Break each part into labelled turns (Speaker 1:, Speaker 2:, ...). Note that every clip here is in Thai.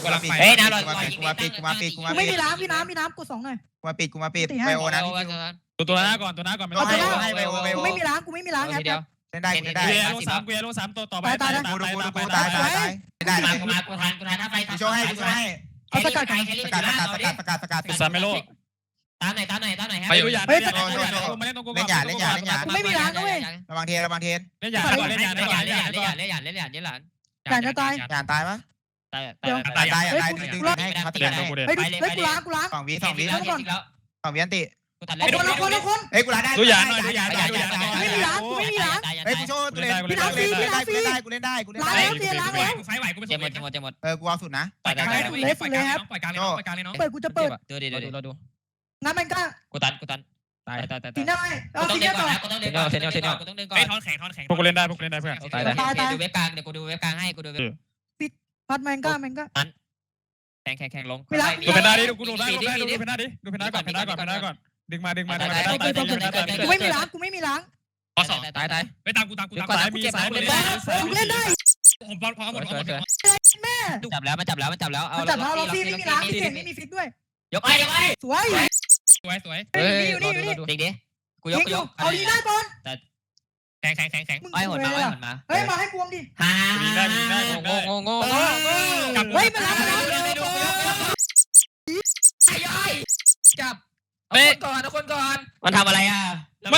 Speaker 1: กูรับไฟ
Speaker 2: เฮ้ยน้ำลอย
Speaker 3: กูมาปิด
Speaker 4: กูไม่มีล้างพี่น้ำกด2หน่อย
Speaker 3: กูมาปิดไบโอนะ
Speaker 1: ตัวหน้าก่อนไม่ต้อง
Speaker 3: ให้ไบโอ
Speaker 4: กูไม่มีล้างแอป
Speaker 2: เดียว
Speaker 3: เล่นได้
Speaker 1: กูเอโล3ตัวต่อไป
Speaker 3: ตายได้
Speaker 2: กูมากูทันถ้าไฟ
Speaker 3: กูโชว์ให้
Speaker 4: เอาสกัด
Speaker 3: สกัด
Speaker 1: กูซาเมโล
Speaker 2: ตามหน่อย
Speaker 1: ไปดูยามาเล่นตรงกู
Speaker 3: เล่นหยาด
Speaker 4: กูไม่มีล้างนะเว้ย
Speaker 3: ระวังเทน
Speaker 1: เล่นยาก่อนเล่นยา
Speaker 4: แต่จะตาย
Speaker 3: หยาดตายปะ
Speaker 2: ตาย
Speaker 3: ตายดึงให้เขาติด
Speaker 1: เล่น
Speaker 3: ให้
Speaker 1: กูเด่น
Speaker 4: เฮ้ยกูล้าง
Speaker 3: 2 วิอันติ
Speaker 2: กูตัด
Speaker 4: เอาคน
Speaker 3: เฮ้ยกูล้างได้
Speaker 1: ดูยาหน่อยดูยา
Speaker 4: กูไม่มีล้าง
Speaker 3: เฮ้ยกูโชว์กูเล่นได้กูเล่นได้กูเล่นได้
Speaker 1: กูไฟไหวกูไม่
Speaker 2: เจ็บหมด
Speaker 3: กูเอาสุดนะ
Speaker 1: ปล่อยกลางเลยน้อง
Speaker 4: เปิดกูจะเปิด
Speaker 2: ดูดิดู
Speaker 4: งั้นมันก็
Speaker 2: กูตัน
Speaker 1: ตาย
Speaker 4: ตีได้เอา
Speaker 2: ต้อ
Speaker 4: ตี
Speaker 2: งเดิ
Speaker 4: ได้
Speaker 2: นก่
Speaker 4: ต่
Speaker 2: อ
Speaker 4: อน
Speaker 2: นะกูต้องเดินก่อนกูต้องเดินก่อน
Speaker 1: ไอ้ทอนแข็งพวกกูเล่นได้เพื่อน
Speaker 2: ดูเว็บกลางเดี๋ยวกูดูเว็บกลางให้กูดูเว็บ
Speaker 4: พัดมันก็
Speaker 2: แข่งลง
Speaker 1: ดูเพนด้าดิดูกูดูได้ดูเพนด้าดิดูเพนด้าก่อนดึงมา
Speaker 4: กูไม่มีล้าง
Speaker 1: ข้อ2ตายไปตามกูสายมีสาย
Speaker 4: กูเล่นได้
Speaker 1: ผมพอหมด
Speaker 4: แม่
Speaker 2: จับแล้วมันจับแล้วเอา
Speaker 4: จับเราเราพี่ไม่มีล้างพี่เก่งไม่มีฟิกด้วย
Speaker 2: ยกไอ้
Speaker 4: สวย
Speaker 1: สวย
Speaker 4: อยู่นี่
Speaker 2: เด็กดิกูยก
Speaker 4: เอาดีได้บอล
Speaker 1: แข็ง
Speaker 2: ไอ้หดมา
Speaker 4: เฮ้ยมาให้กวงดิ
Speaker 2: ฮ่าโง่
Speaker 4: เฮ้ยมาล้าง
Speaker 2: จับคนก่อนมันทำอะไรอ่ะ
Speaker 1: มา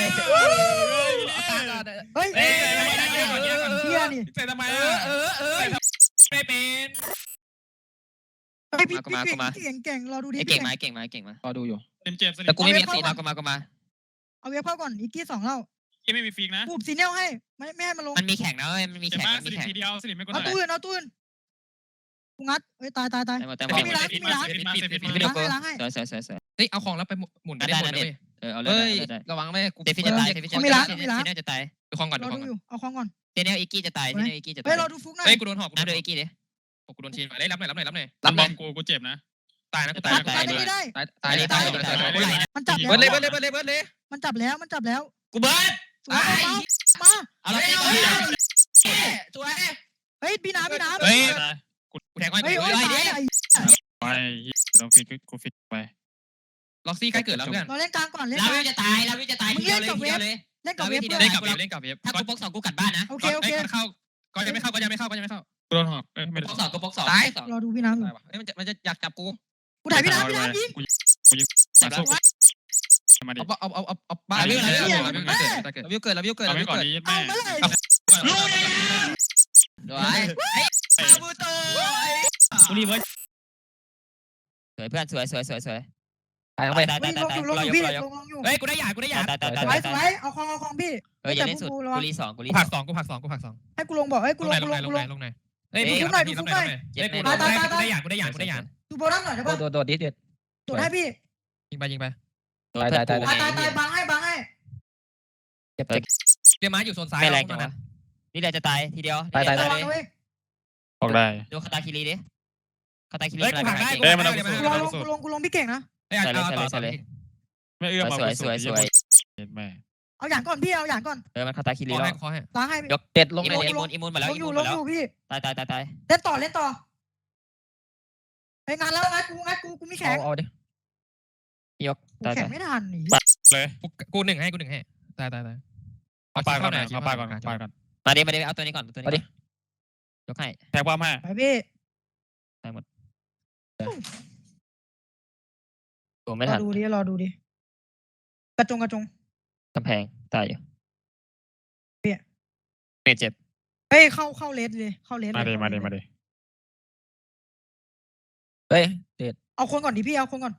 Speaker 4: เฮ้ย
Speaker 1: เฮียนี่ใส่ทำไมไม่เป็น
Speaker 4: เฮ้ยพี่เก่งรอดูดิ
Speaker 2: เก่งมารอดูอยู่
Speaker 1: เจ็บ
Speaker 2: แต่กูไม่มีสีนะกูมา
Speaker 4: เอาเว็บเข้าก่อนอีกกี้2เล่า
Speaker 1: ยังไม่มีฟีกนะ
Speaker 4: ปูบซีเนียลให้ไม่ให้มันลง
Speaker 2: มันมีแข่งนะมันมี
Speaker 1: เจ็บ
Speaker 2: แข่ง
Speaker 1: มากสลิปทีเดียวสลิปไม่กด
Speaker 4: เอาตู้อื่นกูงัดเฮ้ยตาย
Speaker 2: แต่
Speaker 4: ไม่มีล้างล้างให้
Speaker 2: สวย
Speaker 5: เฮ้ยเอาของแล้วไปหมุนได้หมดเลย
Speaker 2: เอาเล
Speaker 5: เฮ้ย
Speaker 2: ย
Speaker 5: ระวังไม่กู
Speaker 2: เดฟิจะตายเนจะตาย
Speaker 5: ดูของก่อน
Speaker 4: รอดูอยู่เอาของก่อน
Speaker 2: เนอีกี้จะตายเนอีกี้จะตาย
Speaker 4: เฮ้ยเราดูฟุกหน่อย
Speaker 5: เฮ้ยกูโดนหอก
Speaker 2: น้ำโดยอีกี้ดิ
Speaker 5: กูโดนทีมรับหน่อย
Speaker 1: รับบอลกูเจ็บนะ
Speaker 5: ตายนะกู
Speaker 4: ตายไม่ได้
Speaker 5: ตาย
Speaker 4: มันจับ
Speaker 5: เบิร์ด
Speaker 4: แล้ว
Speaker 5: เลย
Speaker 4: มันจับแล้ว
Speaker 2: กูเบิร์ด
Speaker 4: มา
Speaker 2: เอาละ
Speaker 5: สวย
Speaker 4: เฮ้ยพี่น้ำ
Speaker 5: เฮ้ยกูแทงไว้
Speaker 4: เฮ้ย
Speaker 5: กู
Speaker 1: ไปต้องฟิกกูฟิกไป
Speaker 5: ล็อกซี่ใกล้เกิดแล้วเพื่อน
Speaker 4: เราเล่นกลางก่อนเล่น
Speaker 2: ลาวิวจะตายทีเดียวเลย
Speaker 4: เล่นกับเว็บ
Speaker 5: เล่นกับเว็บ
Speaker 2: ถ้ากูปกสองกูกัดบ้านนะ
Speaker 4: โอเค
Speaker 5: เข้าก็ยังไม่เข้า
Speaker 1: กูโดนหอกไม่
Speaker 2: ปกสองกูปกสอง
Speaker 4: รอดูพี่น้ำ
Speaker 5: เฮ้ยมันจะอยากจับกู
Speaker 4: กูถ่ายพี่น้ำยิง
Speaker 1: กูยิงมาสู้มาดิ
Speaker 5: เอาบ้านวิวเกิด
Speaker 1: เอาไปก่อนนี้แม่
Speaker 4: เอามาเลย
Speaker 2: ด้วยบูโต
Speaker 1: กูรีเวิร์ส
Speaker 2: สวยเพื่อนสวยตาย
Speaker 4: ลงอยู่พี่ลงอยู่
Speaker 5: เฮ้ยกูได้หยา
Speaker 4: สวยเอาของพี่
Speaker 2: อย่าเล่นสุดกูรีสอง
Speaker 5: กูผักสอง
Speaker 4: ให้กูลงบอกให้กูลง
Speaker 5: เฮ้ยกูได้หยา
Speaker 4: ดูโบนัสหน่อยได้ป่ะ
Speaker 2: โดดดิเด็ด
Speaker 4: ดูให้พี่
Speaker 5: ยิงไป
Speaker 4: ตายบังให้
Speaker 2: เจ็บ
Speaker 5: เดี๋ยวม้าอยู่โซนซ้าย
Speaker 2: ไม่แรงจังวะนี่เดี๋ยวจะตายทีเดียว
Speaker 4: ระวังด้วย
Speaker 1: ออกได้
Speaker 2: ดูคาตาคิริดิคาตาคิริ
Speaker 5: เฮ้ยกูผักได้
Speaker 4: กูลงพี่เก่งนะ
Speaker 5: เฮ้ยต่อ
Speaker 1: ไม่เอื้อมเอาสวยแม่
Speaker 4: เอาอย่างก่อนพี่เอาอย่างก่อน
Speaker 2: มันคาตาคิริ
Speaker 5: ขอ
Speaker 2: แล้ว
Speaker 5: ให้ขอให้
Speaker 4: ล้างให้
Speaker 2: ยกเด็ดลงอิมูนหมดแล้ว
Speaker 4: ลงอยู่พี่
Speaker 2: ตาย
Speaker 4: เล่นต่อไปงานแล้วกูมีแข่ง
Speaker 2: เอาดิยกตาย
Speaker 4: แข่งไม่ทันหนี
Speaker 1: เลย
Speaker 5: กูหนึ่งให้ตาย
Speaker 1: เอาปลาก่อน
Speaker 2: มาดิเอาตัวนี้ก่อนตัวนี้ยกให้
Speaker 1: แทงความให้
Speaker 4: ไปพี่
Speaker 2: ตายหมดตัวไม่ทัน
Speaker 4: รอดูดิกระจง
Speaker 2: กำแพงตายอยู่เมจเจ็บ
Speaker 4: เฮ้ยเข้าเลสเลยเข้าเลส
Speaker 1: มาดิ
Speaker 2: เฮ้ยเด็ด
Speaker 4: เอาคนก่อนดิพี่เอาคนก่อน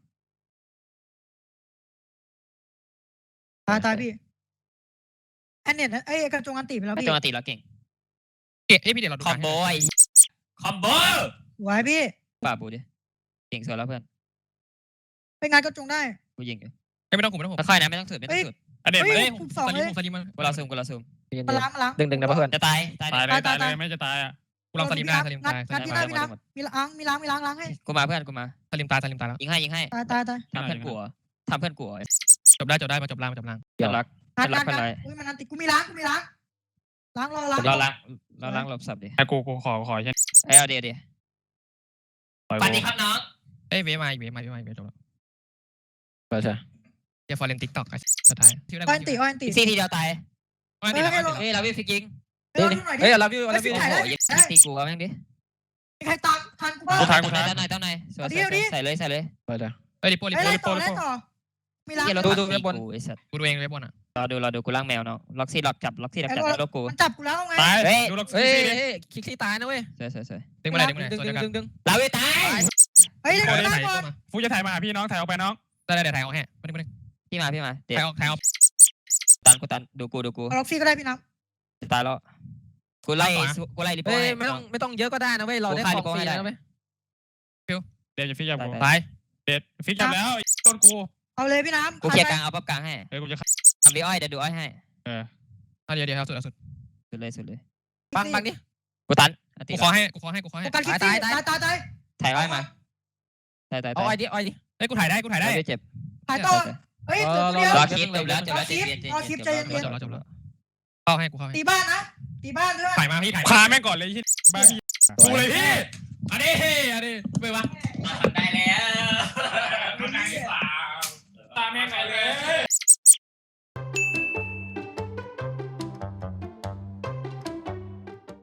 Speaker 4: ตายพี่อันเน็ตไอ้กระจงอันตีไปแล้วพี่
Speaker 2: จังหวะตีแล้วเก่ง
Speaker 5: เก็บให้พี่เดี๋ยวเราดู
Speaker 2: คอมโบคอมโบ
Speaker 4: ไว้พี่
Speaker 2: ป่าบูดิเก่งสุดแล้วเพื่อน
Speaker 4: ไปงานกระจงได้
Speaker 2: กูยิง
Speaker 5: ไม่ต้องผม
Speaker 2: ค่อยนะไม่ต้องสุด
Speaker 1: อันเด็ด
Speaker 4: เฮ้
Speaker 1: เลย
Speaker 4: ยคุม2เลย
Speaker 5: สลิมมัน
Speaker 2: กูเราซูม
Speaker 4: มาล้าง
Speaker 2: ดึงนะเพื่อนจะตาย
Speaker 1: เลยไม่จะตายอ่ะ
Speaker 5: กูลองสลิมได้
Speaker 4: งัดพี่น้ำมีล้างให้
Speaker 2: กูมาเพื่อนกูมา
Speaker 5: สลิมตายแล้ว
Speaker 2: ยิงให้
Speaker 4: ตาย
Speaker 2: ทำเพื่อนกลัว
Speaker 5: จบได้มาจบล่าง
Speaker 2: อย่ารัก
Speaker 4: งัดอุ้ยมันอันติกูมีล้างล้างรอล้าง
Speaker 2: เราล้างหลบสับดิ
Speaker 1: กูขอใช่
Speaker 2: เอาเดี๋ยวสวัสดีครับน้อง
Speaker 5: เอ้ยเวมาจบแล้วใช่เดี๋ยวฟอร์เรนติ๊กต็อกสุดท้าย
Speaker 4: อ้อนตีอ้อนตี
Speaker 2: ซีทีเดียวตาย
Speaker 5: เฮ้ย
Speaker 2: เฮ้ยเราวิ่งฟิกยิง
Speaker 4: เฮ้ยหน่อยดิ
Speaker 5: เฮ้ยเราพี่
Speaker 2: โอ้โหยิงตีกูเอาแม่งดิ
Speaker 4: ใครตามทันกูบ้าง
Speaker 1: กูทาย
Speaker 2: เต้าไหนใส่เลย
Speaker 5: ไปจ้ะเฮ้ยริปโป้
Speaker 4: ไล่ต่อมีร้าน
Speaker 2: ดูเว็บบนไอ้สัตว์
Speaker 5: กูดูเองเว็บบนอ่ะ
Speaker 2: รอดูกูล่างแมวเนาะล็อกซี่ล็อกจับล็อกกู
Speaker 4: มันจับกูแล้วไง
Speaker 1: ตาย
Speaker 2: เฮ้ย
Speaker 1: ดูล็อก
Speaker 5: เฮ้ย
Speaker 1: ซี่ดิ
Speaker 5: คิกซี่ตายนะเว้ย
Speaker 2: สวย
Speaker 5: ดึงมาเลยตัวเดียวกัน
Speaker 2: เราไม่ตาย
Speaker 4: เฮ้ยเดี๋ยวได้ก่อน
Speaker 1: ฟูจะถ่ายมาหาพี่น้องถ่ายออกไปน้อง
Speaker 5: ได้เดี๋ยวถ่ายออกให้มาดึง
Speaker 2: พี่มาเดี๋ยว
Speaker 5: ถ่ายออก
Speaker 2: ตันดูกู
Speaker 4: ล็อกซี่ก็ได้พี่น้ำ
Speaker 2: ตายแล้วกูไล่ริปโป้
Speaker 5: เฮ้ยไม่ต้องเยอะก็ได้นะเว้ยเราได้ของฟรีแล้วเว้ย
Speaker 1: เดี๋ยวจะฟิกจับกู
Speaker 5: ตาย
Speaker 1: เด็ดฟิกจับแล้วต้นกู
Speaker 4: เอาเลยพี่น้ำ
Speaker 2: กูเคลียร์กลางเอาปั๊บกลางให้
Speaker 1: เฮ้ยกูจะ
Speaker 2: ทำดีอ้อยเดี๋ยวดูอ้อยให้
Speaker 5: เดี๋ยวสุด
Speaker 2: สุดเลย
Speaker 5: ปังดิ
Speaker 2: กูตัน
Speaker 5: กูขอให้
Speaker 4: กูการคิดซี่ตาย
Speaker 2: ถ่ายอ้อยมาตาย
Speaker 5: เอาอ้อยดิ
Speaker 2: 哎
Speaker 5: เฮ้ยกูถ่ายได้
Speaker 2: เจ็บ
Speaker 4: ถ่ายต่อเฮ้ยเดี๋ยว
Speaker 2: รอคลิปจบแล้ว
Speaker 5: จบแล้วเข้าให้กูเข้าให้
Speaker 4: ตีบ้านนะตีบ้านด้วย
Speaker 5: ถ่ายมาพี่ถ่าย
Speaker 1: พาแม่งก่อนเลยที่บ้าพี่ดูเลยพี่อันนี้ไปวะ